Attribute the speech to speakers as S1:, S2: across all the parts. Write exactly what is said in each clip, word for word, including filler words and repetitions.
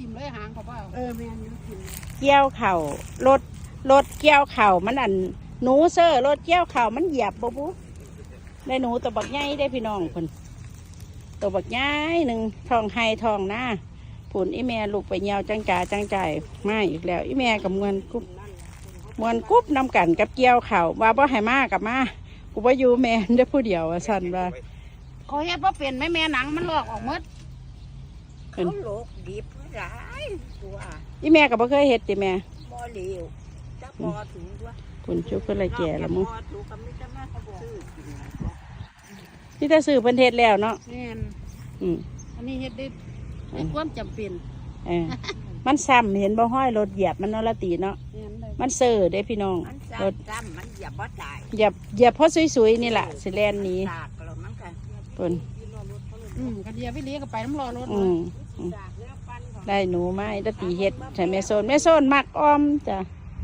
S1: ทิมเลยหางเขาว่าเออแม่นอยู่ทิม
S2: เกี่ยวเข่ารถรถเกี่ยวเข่ามันอันหนูเซอร์รถเกี่ยวเข่ามันเหยียบบ่บุได้หนูตัวบักใหญ่ได้พี่น้องคนตัวบักใหญ่หนึ่งทองไฮทองหน้าผุนอีแม่ลูกไปเหี่ยวจังจ่าจังใจมาอีกแล้วอีแม่กับมวนกุ๊บมวนกุ๊บนำกันกับเกี่ยวเข่าว่าบ่ให้มากับมากูว่าอยู่แม่ได้ผู้เดียวสั่นว่า
S1: เขาเฮ็ดว่าเป็นไหมแม่หนังมันลอกออกหมด
S3: เขาโลกดิบหลายตัว
S2: อีแม่กับบ่เคยเฮ็ดติแม่
S3: บ่เหลวจะพอถึงตัว
S2: คุณชุบเพิ่นละแก่แล้วมั้ง
S3: ซื้อกิน
S2: นี่ถ้าซื้อเพิ่นเฮ็ดแล้วเนาะ
S1: แม่น
S2: อืม
S1: อันนี้เฮ็ดได้ในความจำเป็น
S2: เออมันซ้ำเห็นบ่ห้อยรถเหยียบมันเนาะละตีเนาะมันเซ่อเด้พี่น้อง
S3: รถซ้ำมันเหยียบบ่ได้
S2: เหยียบเหยียบเพราะสวยๆนี่แหละสิแลนนี้เพิ่น
S1: อืมกระเดียไปเลี้ยงก็ไปน้ำรอรถ
S2: อืมได้หนูไม้ตะตีเฮ็ดใช่แม่โซนแม่โซนมักอ้อมจ้ะ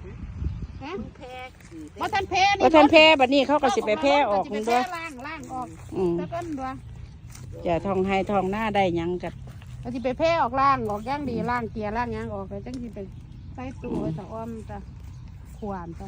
S1: ว่าท่านแพ้นี่
S2: ว่าท่านแพ้บัดนี้เขาก็สิไปแพ้ออกมันด้วย
S1: ล่างล่างออก
S2: อืม
S1: แล้วก็ด้วย
S2: จะทองไฮทองหน้าได้ยังกัด
S1: ก็สิไปแพ้ออกล่างออกย่างดีล่างเกียร์ล่างย่างออกไปจังสิไปใส่ตู้ไว้ตะอ้อมตะขวานตะ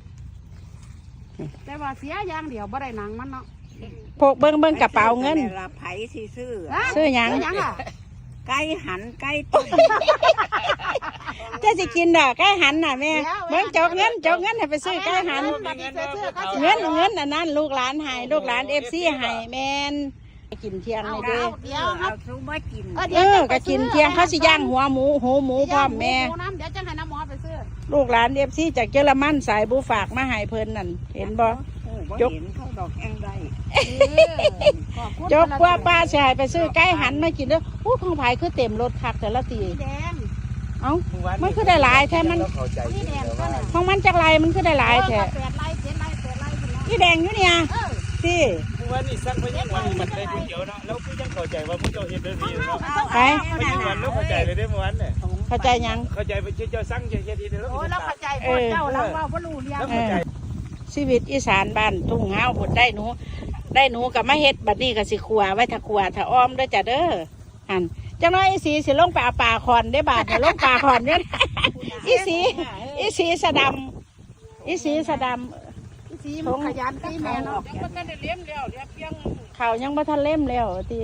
S1: แต่ว่าเสียย่างเดียวบ่ได้หนังมันเนาะ
S2: พกเบิ้งเบิ้งกระเป๋าเงิน
S3: ไผ่สิซื้อ
S2: ซื้อยัง
S3: ไก่หันไก่ต้ม
S2: จะสิกินด่ะไก่หันน่ะแม่เบิ้งจกเงินจกเงินให้ไปซื้อไก่หันเงินเงินอันนั้นลูกหลานให้ลูกหลานเอฟซีให้แมนกินเที่ยงเลยด้วย
S3: เดี๋ยวเอาซูมากิน
S2: เออก็กินเที่ยงเขาสิย่างหัวหมูหูหมูพร้อมแม่
S1: เดี๋ยวจะให้น้ำหมอไปซื้อ
S2: ลูกหลานเอฟซีจากเยอรมันสายบูฝากมาให้เพิ่นนั่นเห็นบ่
S3: ยกเขาดอกแองได้
S2: จกว่าป้าชายไปซื้อไก่หันมากินเด้ออู้ของไผ่คือเต็มรถคักแต่ละตีเอ้ามันคือได้หลายแท้มันของมันจากไรมันคือได้หลายแท้พี่แดงอยู่เนี่ยที่
S4: วันนี้สั่งไปยังวันมันได้ก๋วยเตี๋ยวเนาะแล้วคือยังเข้าใจว่าผู้เจ้าเฮ็ดเรื่องนี้เนาะ
S2: ไป
S4: ไปยังวันแล้วเข้าใจเลยได้เมื่อวันเนี่ย
S2: เข้าใจยัง
S4: เข้าใจไปเจ้าสั่งเจ้าเฮ็ดดีแล้ว
S1: โอ้แล้วเข้าใจพ่อเจ้าเราว่าบ่รู้เรื่อง
S2: ชีวิตอีสานบ้านทุ่งเฮาผลได้หนูได้หนูกับมาเฮ็ดบัดนี้กับสิขัวไว้ถ้าขัวถ้าอ้อมด้วยจ้ะเด้อหันจังน้อยอีสีสิลงไปเอาปลาคอนได้บาทเนี่ยลงปลาคอนเนี่ยอีสีอีสีสะดำอีสีสะดำ
S1: อีสีมันขยันตีแม่เนาะ
S2: ยังบ่ทันได้เล่มแล้วเดี๋ยวเพียงเขายังบ่ทันเล่มแล้วตี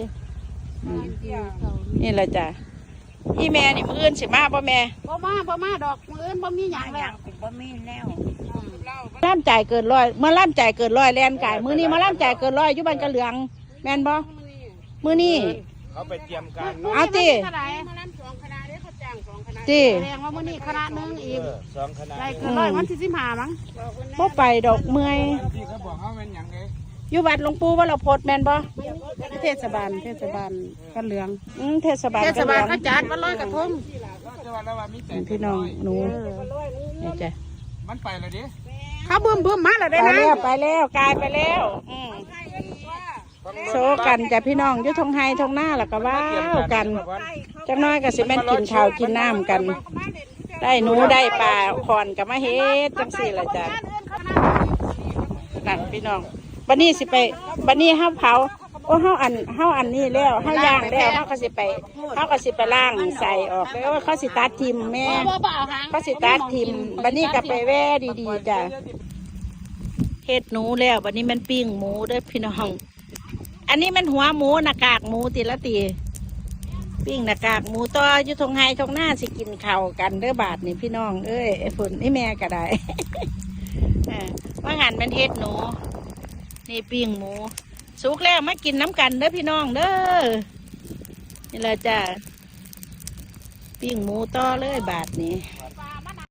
S2: นี่แหละจ้ะอีแม่นี่มื้ออื่นสิมาบ่แม่
S1: บ่มาบ่มาดอกมื้ออื่นบ่มีหยังแล้ว
S3: บ่มีแล้ว
S2: ล่ามจ่ายเกินร้อยเมื่อล่ามจ่ายเกินร้อยแลนไก่มือนี้มาล่ามจ่ายเกินร้อยอยู่บ้านกระเหลืองแมนบ่มือนี้
S4: เขาไปเตรียมการ
S2: เอาตีตี
S1: แสดงว่ามือนี้คณะนึงอีก
S4: สองคณะ
S1: จ่ายเกินร้อยวันที่สิบห้ามั้ง
S2: พวกไปดอกเมื่อย
S4: ที่เขาบอกเขาเป็นอย่างไร
S2: อยู่วัดหลวงปู่ว่าเราโพดแมนบ่
S1: เทศบาลเทศบาลกระเหลือง
S2: อืมเทศบาล
S1: เทศบาลก็จัดวันลอยกระทง
S2: พี่น้องหนูนี่จ้ะ
S4: มันไปเลยดิ
S1: เขาบึ้มบึ้มมาแล้วได้
S2: นะไปแล้วกลายไปแล้วโซกันจ้ะพี่น้องยุทธงไฮทงหน้าแล้วก็ว้าวกันจังน้อยก็สิแม่นกินข้าวกินน้ำกันได้หนูได้ปลาคอนกับมาเฮ็ดจังสี่ละจ้ะนั่นพี่น้องบันนี้สิไปบันนี้ห้าเผาโอ้ห้าอันห้าอันนี้แล้วห้าย่างแล้วเขาก็สิไปเขาก็สิไปล่างใส่ออกแล้วเขาสิตัดทิมแม่เขาสิตัดทิมบันนี้ก็ไปแว่ดีๆจ้ะเฮ็ดหนูแล้วบันนี้มันปิ้งหมูด้วยพี่น้องอันนี้มันหัวหมูหน้ากากหมูตีละตีปิ้งหน้ากากหมูต่ออยู่ทงไฮทงหน้าสิกินข้าวกันเด้อบาทนี่พี่น้องเอ้ยไอ้ฝนนี่แม่ก็ได้ว่างานมันเฮ็ดหนูนี่ปิ้งหมูสุกแล้วมากินน้ำกันเด้อพี่น้องเด้อนี่แหละจ้ะปิ้งหมูต่อเลยบาทนี้